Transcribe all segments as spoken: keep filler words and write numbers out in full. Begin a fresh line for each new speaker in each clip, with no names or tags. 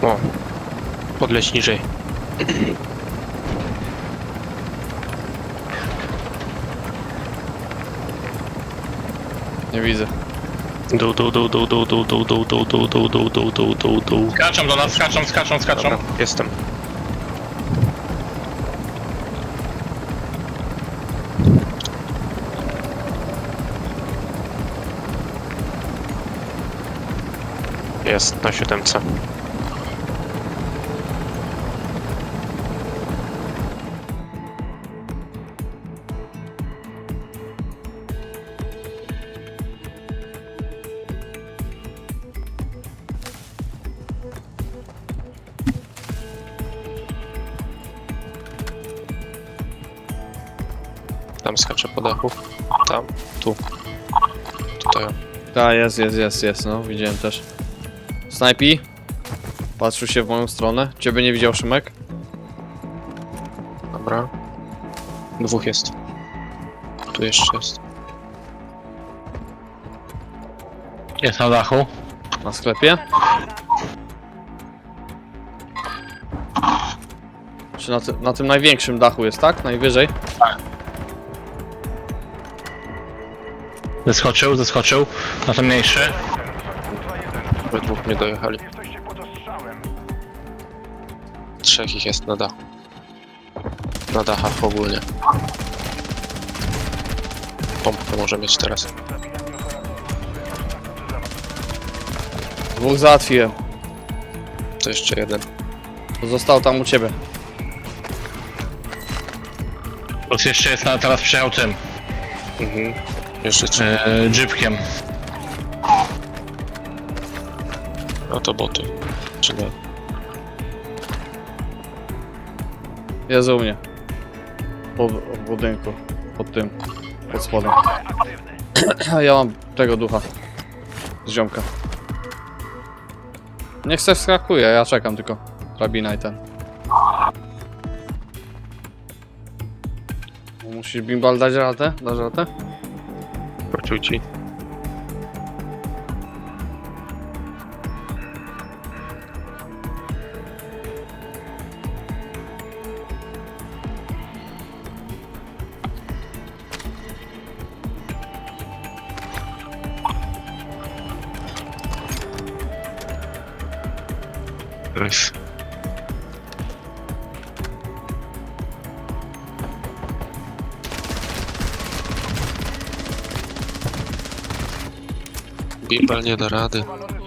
O, podleć niżej.
Nie widzę.
Dół, dół, dół, dół, dół, dół, dół, dół, dół, dół, dół, dół, dół, dół, dół, dół.
Skaczą do nas, skaczą, skaczą, skaczą.
Dobra, jestem. Jest na siódemce. Tam skaczę po dachu. Tam, tu. Tutaj.
Tak, jest, jest, jest, jest, no, widziałem też. Snajpi. Patrzył się w moją stronę. Ciebie nie widział, Szymek?
Dobra. Dwóch jest. Tu jeszcze jest.
Jest na dachu.
Na sklepie? Czy na, ty na tym największym dachu jest, tak? Najwyżej?
Zeskoczył, zeskoczył. Na ten mniejszy.
We dwóch nie dojechali. Trzech ich jest na dachu. Na dachach ogólnie. Pompkę może mieć teraz.
Dwóch załatwiłem.
To jeszcze jeden.
Został tam u ciebie.
Plus jeszcze jest na, teraz przyjechał tym.
Mhm. Jeszcze trzy.
Yy, jeepkiem.
No to boty. Czy nie?
Jest u mnie. Po w budynku. Pod tym. Pod spodem. Ja mam tego ducha. Z ziomka. Niech se wskakuje, ja czekam tylko. Drabina i ten. Musisz bimbal dać radę? Dasz radę?
Wrócił ci. Nice. Bimbal nie da rady.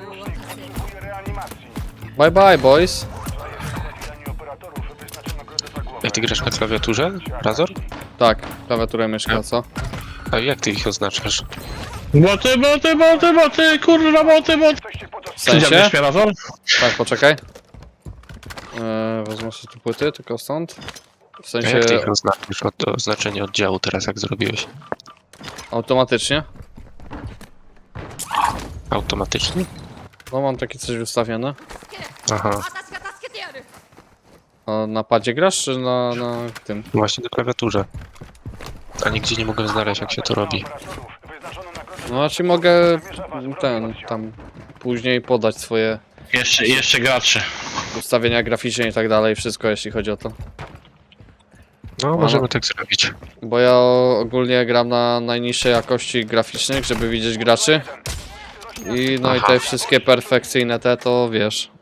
Bye bye boys.
Jak ty grasz na klawiaturze? Razor?
Tak, klawiaturę myszka, co?
A jak ty ich oznaczasz?
Boty, boty, boty, boty, kurwa, boty, boty.
W sensie?
Widziałeś mnie razem?
Tak, poczekaj. Eee, wezmę sobie tu płyty, tylko stąd. W
A
sensie
jak ty ich oznaczasz? Od oznaczenie oddziału teraz jak zrobiłeś?
automatycznie.
Automatycznie?
No mam takie coś ustawione.
Aha.
私が助けてやる
A na padzie grasz, czy na, na tym?
Właśnie na klawiaturze. A nigdzie nie mogę znaleźć jak się to robi.
No znaczy mogę ten, tam później podać swoje
Jeszcze, jeszcze graczy.
ustawienia graficzne i tak dalej, wszystko jeśli chodzi o to.
No, możemy tak zrobić.
Bo ja ogólnie gram na najniższej jakości graficznych, żeby widzieć graczy. I no i te wszystkie perfekcyjne te, to wiesz.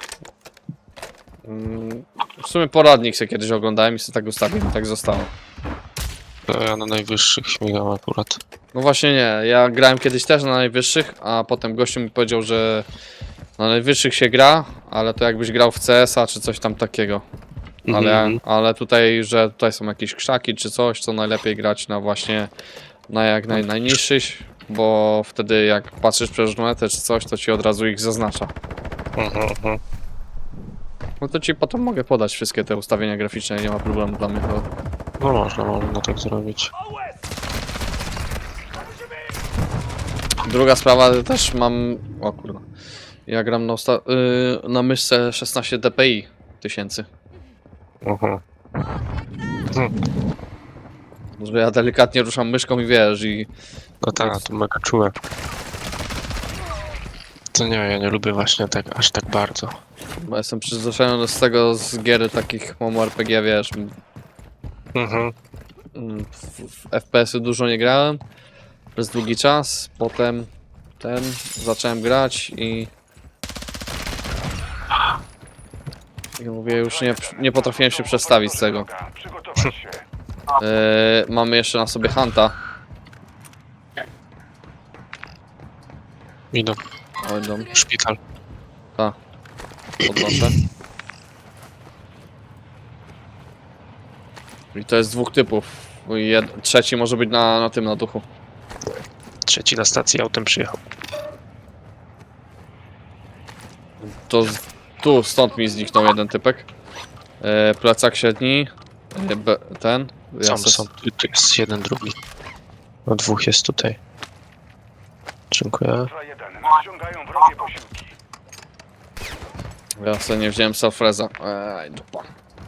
Mm, W sumie poradnik sobie kiedyś oglądałem i sobie tak ustawiłem, tak zostało.
To ja na najwyższych śmigam akurat.
No właśnie nie, ja grałem kiedyś też na najwyższych, a potem gościu mi powiedział, że na najwyższych się gra, ale to jakbyś grał w C S a czy coś tam takiego. Ale,
Mhm.
ale tutaj, że tutaj są jakieś krzaki czy coś, to najlepiej grać na właśnie na jak naj, najniższych, bo wtedy jak patrzysz przez lunetę czy coś, to ci od razu ich zaznacza.
Mhm, mhm.
No to ci potem mogę podać wszystkie te ustawienia graficzne, nie ma problemu dla mnie. To...
No można, można tak zrobić.
Druga sprawa, też mam... O kurwa. Ja gram na, usta... yy, na myszce szesnaście D P I tysięcy.
Mhm.
Że ja delikatnie ruszam myszką i wiesz, i...
No tak, to mega czułe. To nie, ja nie lubię właśnie tak, aż tak bardzo.
Bo jestem przyzwyczajony z tego, z gier takich MMO R P G, wiesz.
Mhm.
mm, W, w F P S-y dużo nie grałem przez długi czas, potem ten zacząłem grać i i mówię, już nie, nie potrafiłem się przestawić z tego.
Przygotować się.
Yy, mamy jeszcze na sobie Hunta.
Idą.
Oj, dom,
Szpital.
podnoszę. I to jest dwóch typów. Jed trzeci może być na, na tym, na duchu.
Trzeci na stacji autem przyjechał.
To z, tu, stąd mi zniknął jeden typek. E, plecak średni. E, be, ten. Ja
Są,
se-
są. Tu, tu jest jeden, drugi. No dwóch jest tutaj. Dziękuję.
Ultra jeden. Nadciągają wrogie posiłki.
Ja sobie nie wziąłem Selfreza. Ej, dupa.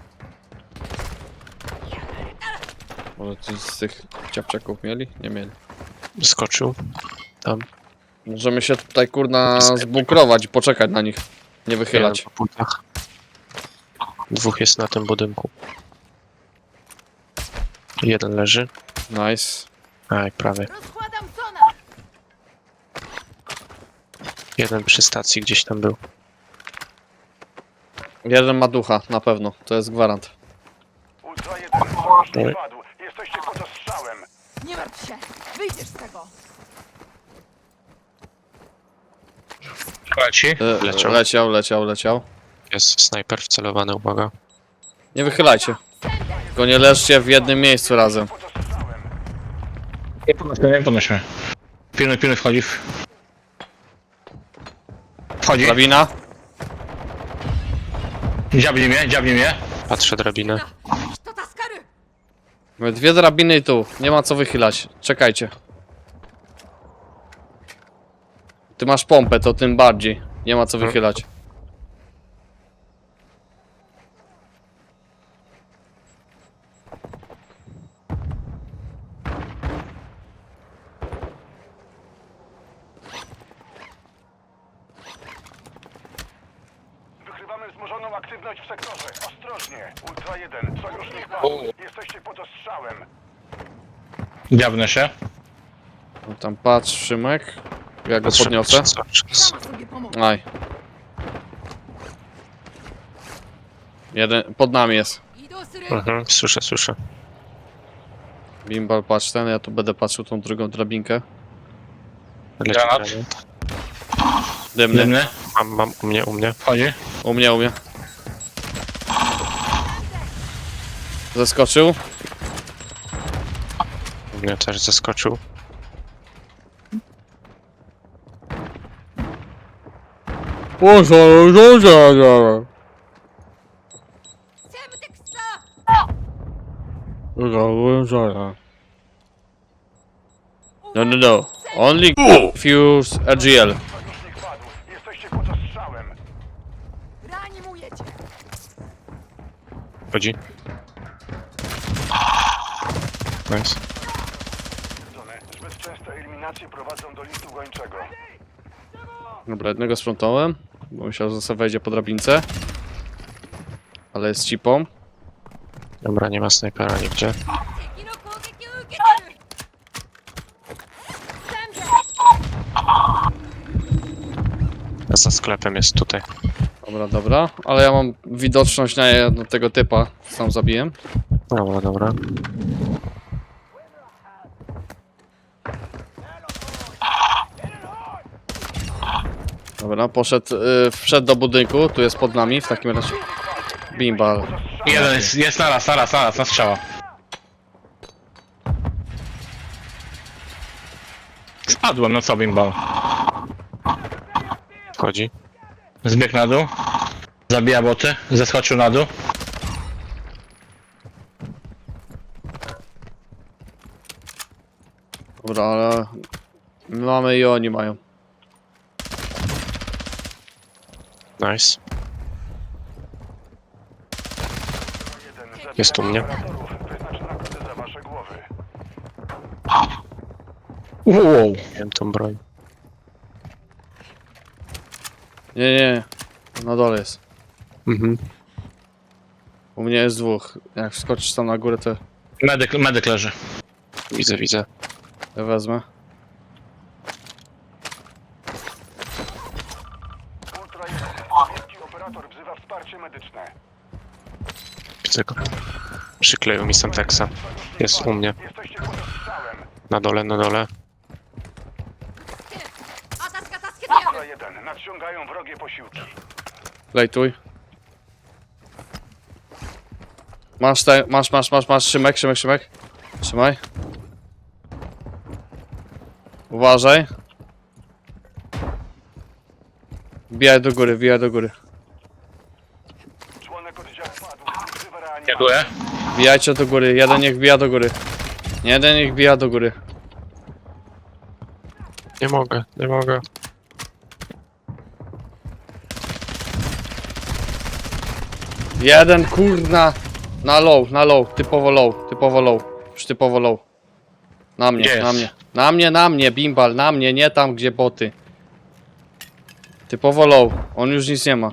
Może coś z tych ciapciaków mieli? Nie mieli.
Skoczył. Tam.
Możemy się tutaj kurna zbunkrować i poczekać na nich. Nie wychylać.
Jeden po płytach. Dwóch jest na tym budynku. Jeden leży.
Nice.
Aj, prawie.
Rozkładam sona!
Jeden przy stacji gdzieś tam był.
Jeden ma ducha, na pewno. To jest gwarant.
Ultra jeden. Sojusznik padł. Jesteście pod ostrzałem.
Nie martw się! Wyjdziesz z tego!
Leci.
E,
Leciał.
leciał, leciał, leciał.
Jest snajper wcelowany, uwaga.
Nie wychylajcie. Tylko nie leżcie w jednym miejscu razem.
Pod ostrzałem.
Nie podnośmy, nie podnośmy. Pilnuj, pilnuj, wchodzi. Wchodzi.
Drabina.
Dziabnij mnie, dziabnij mnie.
Patrzę drabinę.
To taskary!
Mamy dwie drabiny i tu. Nie ma co wychylać. Czekajcie. Ty masz pompę, to tym bardziej. Nie ma co wychylać.
Wykrywamy wzmożoną aktywność w sektorze. Ostrożnie. Ultra jeden. Sojusznik padł. Jesteście pod ostrzałem.
Dziabnę się.
No tam patrz, Szymek. Ja go
Patrzę,
podniosę.
patrzę cały czas.
Sama sobie pomogę.
Aj. Jeden, pod nami jest.
Idą syry!
Mhm, słyszę, słyszę.
Bimbal, patrz ten, ja tu będę patrzył tą drugą drabinkę.
Leci
Granat.
granat.
Dymny.
Dymny.
Mam, mam, u mnie, u mnie.
Wchodzi.
U mnie, u mnie. Zeskoczył.
U mnie też zaskoczył.
Semteksa!
No, no, no. Only fuse R G L.
Sojusznik padł. Jesteście pod ostrzałem.
Reanimuję cię!
Chodzi. Nice.
Zone. Zbyt częste eliminacje prowadzą do listu gończego.
Dobra, jednego sprzątałem, bo myślał, że sobie wejdzie po drabince. Ale jest cipą.
Dobra, nie ma snajpera nigdzie.
敵の攻撃を受けてるサンダ
Za sklepem jest tutaj.
Dobra, dobra. Ale ja mam widoczność na jedno tego typa. Sam zabiłem.
Dobra, dobra.
Dobra, poszedł, y, wszedł do budynku. Tu jest pod nami w takim razie. Bimbal.
Jeden jest, jest naraz, naraz, naraz, na strzała. Spadłem, no co bimbal.
Wchodzi.
Zbiegł na dół. Zabija boty. Zeskoczył na dół.
Dobra, ale my mamy i oni mają.
Nice. Jest u mnie.
Wyznacz nagrodę za wasze głowy.
Wow.
Wiem tą broń.
Nie, nie, na dole jest.
Mhm.
U mnie jest dwóch. Jak wskoczysz tam na górę, to
Medyk, medyk leży.
Widzę, widzę.
ja wezmę.
Ultra jeden. Wielki operator wzywa wsparcie medyczne.
Widzę go. Przykleił mi Semtexa. Jest u mnie.
Jesteście pod ostrzałem.
Na dole, na dole.
あたすか助けてやる
Ultra jeden. Nadciągają wrogie posiłki.
Lejtuj. Masz, te, masz, masz, masz, masz, Szymek, Szymek, Szymek. Trzymaj. Uważaj. Wbijaj do góry, wbijaj do góry.
Członek oddziału padł. Wzywa reanimator.
Dziękuję.
Wbijajcie do góry, jeden niech wbija do góry. Jeden niech wbija do góry.
Nie mogę, nie mogę.
Jeden, kurna. Na low, na low, typowo low, typowo low. Już typowo low. Na mnie,
Gdzie
na
jest?
mnie. Na mnie, na mnie, bimbal, na mnie, nie tam gdzie boty. Typowo low, on już nic nie ma.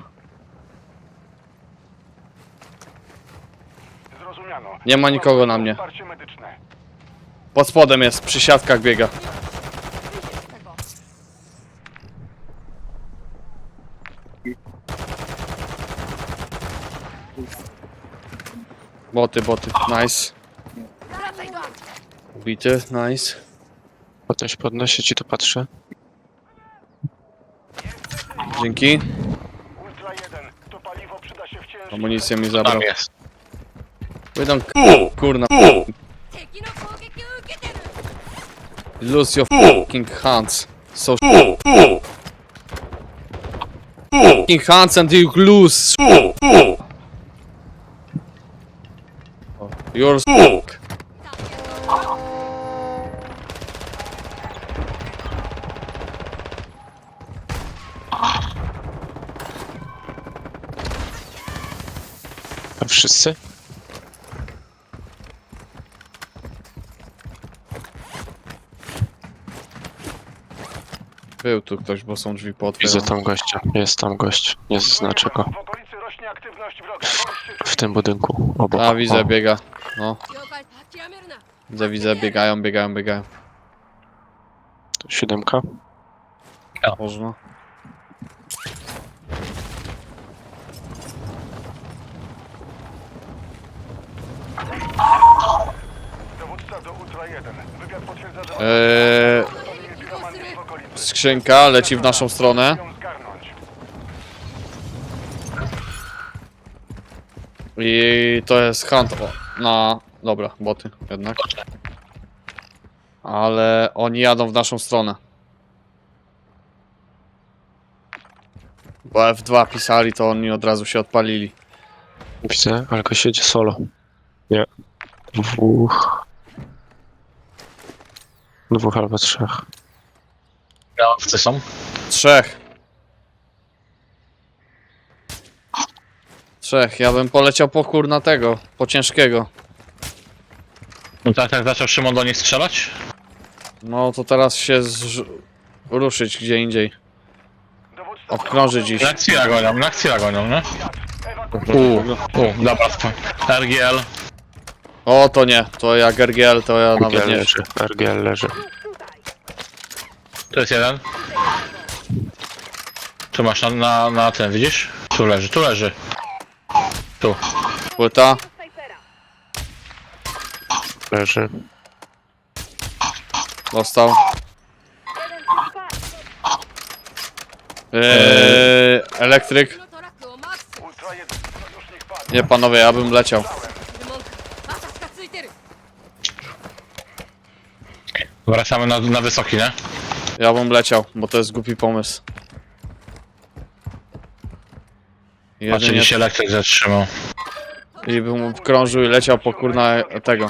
Zrozumiano.
Nie ma nikogo na mnie.
Wsparcie medyczne.
Pod spodem jest, przy siatkach biega.
Wyjdziesz z tego.
Boty, boty, nice.
Wracaj do auta.
Ubity, nice.
Podnoś, podnoszę ci, tu patrzę.
Dzięki.
Ultra jeden. To paliwo przyda się w ciężkim...
Amunicję mi zabrał.
Tam jest.
Wydą kurna.
敵の攻撃を受けてる
Lose your fucking hands. So fucking hands and you lose. You're fuck.
A wszyscy?
Był tu ktoś, bo są drzwi
Widzę
pootwierane.
tam gościa. Jest tam gość. Nie zaznaczę go.
W okolicy rośnie aktywność wroga. Bądźcie
W tym budynku. Obok.
A, widzę,
O,
biega. No,
了解諦めるな
widzę, widzę, biegają, biegają, biegają.
siódemka.
Można.
Dowódca do Ultra jeden. Wywiad potwierdza, że...
Eee,
Stanie piromanów w okolicy.
skrzynka leci w naszą stronę.
Ją zgarnąć.
I to jest hunt o, na... Dobra, boty jednak. Ale oni jadą w naszą stronę. Bo F dwa pisali, to oni od razu się odpalili.
Widzę, ale gość jedzie solo. Nie. Dwóch. Dwóch albo trzech.
Granatowcy są.
Trzech. Trzech, ja bym poleciał po kurna tego, po ciężkiego.
No tak, tak zaczął Szymon do nich strzelać?
No to teraz się zrz... ruszyć gdzie indziej.
Dowódca
Obkrążyć ich.
Na Xila gonią, na Xila gonią, nie? U, u, dobra, sp- R G L.
O to nie, to jak R G L to ja nawet
R G L
nie.
leży. R G L leży.
To jest jeden. Tu masz na, na, na ten, widzisz? Tu leży, tu leży. Tu.
Płyta.
Leży.
Dostał. Eee, elektryk.
のトラックをマークする
Ultra jeden. Sojusznik padł.
Nie panowie, ja bym leciał.
るもんかあたすかついてる
Wracamy na, na wysoki, nie?
Ja bym leciał, bo to jest głupi pomysł.
Patrzę,
Jedynie
gdzie się elektryk zatrzymał.
i bym krążył i leciał po kurna tego.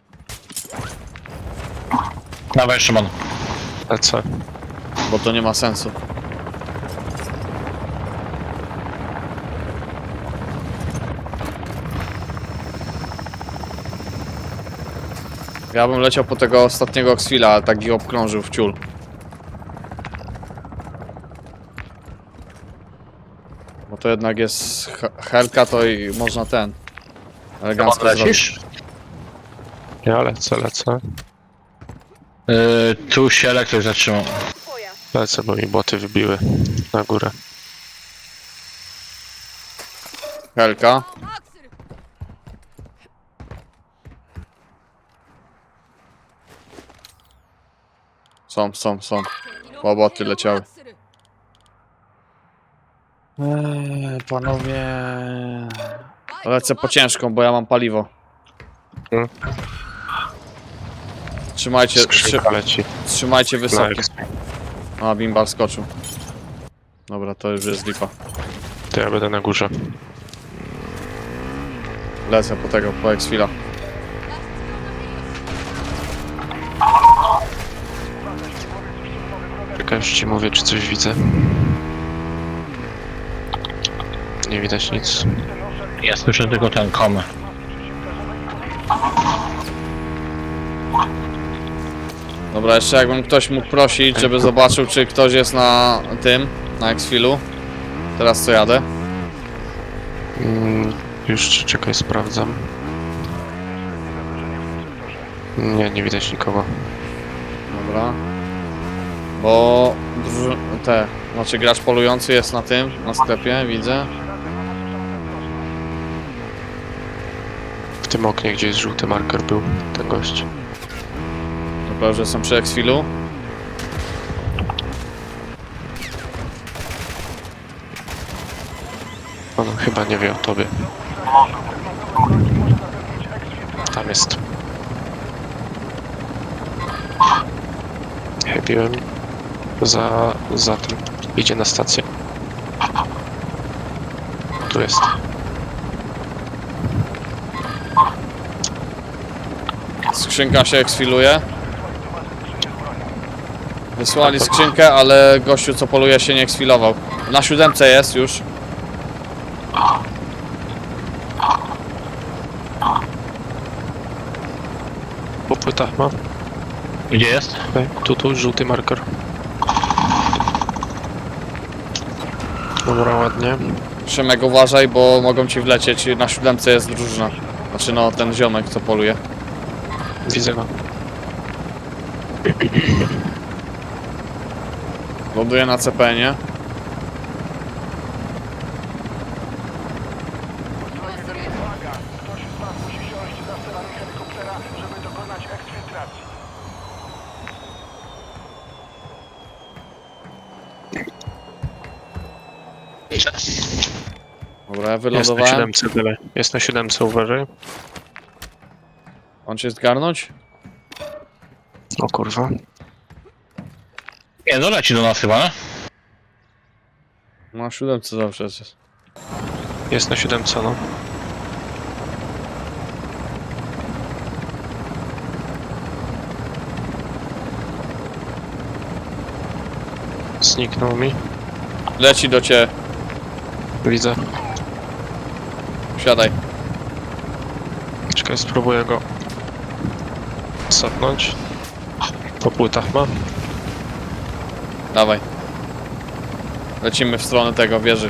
Dawaj, Szymon.
Lecę.
Bo to nie ma sensu. Ja bym leciał po tego ostatniego Oxfila, ale tak ich obkrążył w ciul. Bo to jednak jest he- helka, to i można ten. Elegancko zrobić.
Lecisz?
Ja lecę, lecę.
Yy, tu się elektryk zatrzymał.
Lecę, bo mi boty wybiły na górę.
Helka.
マークする
Są, są, są.
敵の
Łoboty
歩兵を
leciały.
マークする
Eee, panowie...
バイクを
Lecę
マー
po
クする
ciężką, bo ja mam paliwo.
Hmm.
Trzymajcie, trzy,
Skrzynka leci.
trzymajcie
Na
wysoki.
eks.
A, bimbar skoczył. Dobra, to już jest lipa.
To ja będę na górze.
Lecę po tego, po X-Fila.
脱出用の兵を
Czekaj, już ci mówię, czy coś widzę. Nie widać nic.
Ja słyszę tylko ten komy.
Dobra, jeszcze jakbym ktoś mógł prosić, żeby zobaczył, czy ktoś jest na tym, na X-Filu. Teraz co jadę?
Mm, już czekaj, sprawdzam. Nie, nie widać nikogo.
Dobra. Bo druży- te, znaczy gracz polujący jest na tym, na sklepie, widzę.
W tym oknie, gdzie jest żółty marker, był ten gość.
Dobra, że jestem przy X-Filu.
On chyba nie wie o tobie. Tam jest. Chybiłem za, za tym. Idzie na stację. Tu jest.
Skrzynka się X-Filuje. Wysłali skrzynkę, ale gościu co poluje się nie X-Filował. Na siódemce jest już.
Po płytach ma.
Gdzie jest?
Tutaj, tu, tu, żółty marker. Dobra, ładnie.
Szymek, uważaj, bo mogą ci wlecieć. Na siódemce jest drużyna. Znaczy no, ten ziomek co poluje.
Widzę go.
Ląduje na C P N-ie.
Uwaga! Ktoś z was musi siąść za sterami helikoptera, żeby dokonać eksfiltracji.
Dobra, ja
Jest na
wylądowałem.
siódemce tyle. Jest na siódemce, uważaj.
On się zgarnąć?
O kurwa.
Nie, no leci do nas chyba, nie?
Na siódemce zawsze jest.
Jest na siódemce, no. Zniknął mi.
Leci do ciebie.
Widzę.
Siadaj.
Czekaj, spróbuję go sapnąć. Po płytach ma.
Dawaj. Lecimy w stronę tego wieży.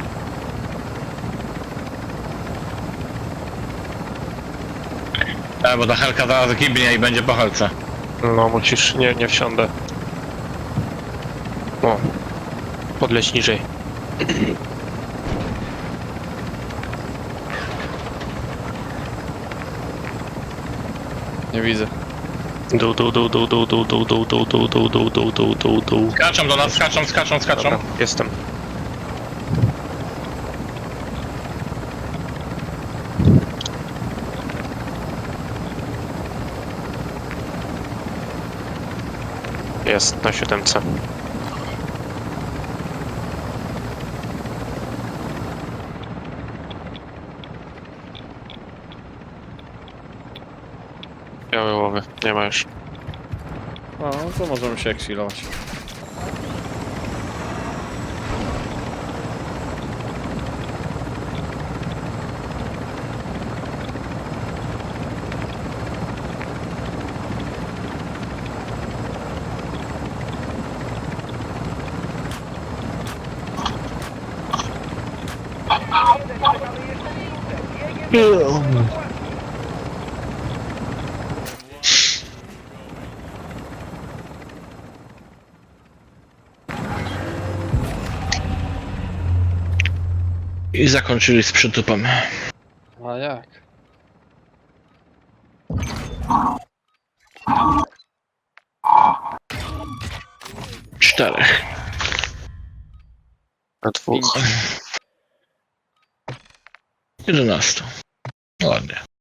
E, bo ta helka zaraz gibnie i będzie po helce.
No musisz, nie, nie wsiądę. O. Podleć niżej.
Nie widzę.
Dół, dół, dół, dół, dół, dół, dół, dół, dół, dół, dół, dół, dół, dół, dół, dół.
Skaczą do nas, skaczą, skaczą, skaczą.
Dobra, jestem. Jest na siódemce. Białe łowy, nie ma już.
No, to możemy się eksilować.
I zakończyli z przytupem.
A jak?
Czterech.
Na dwóch.
Jedenastu. Ładnie.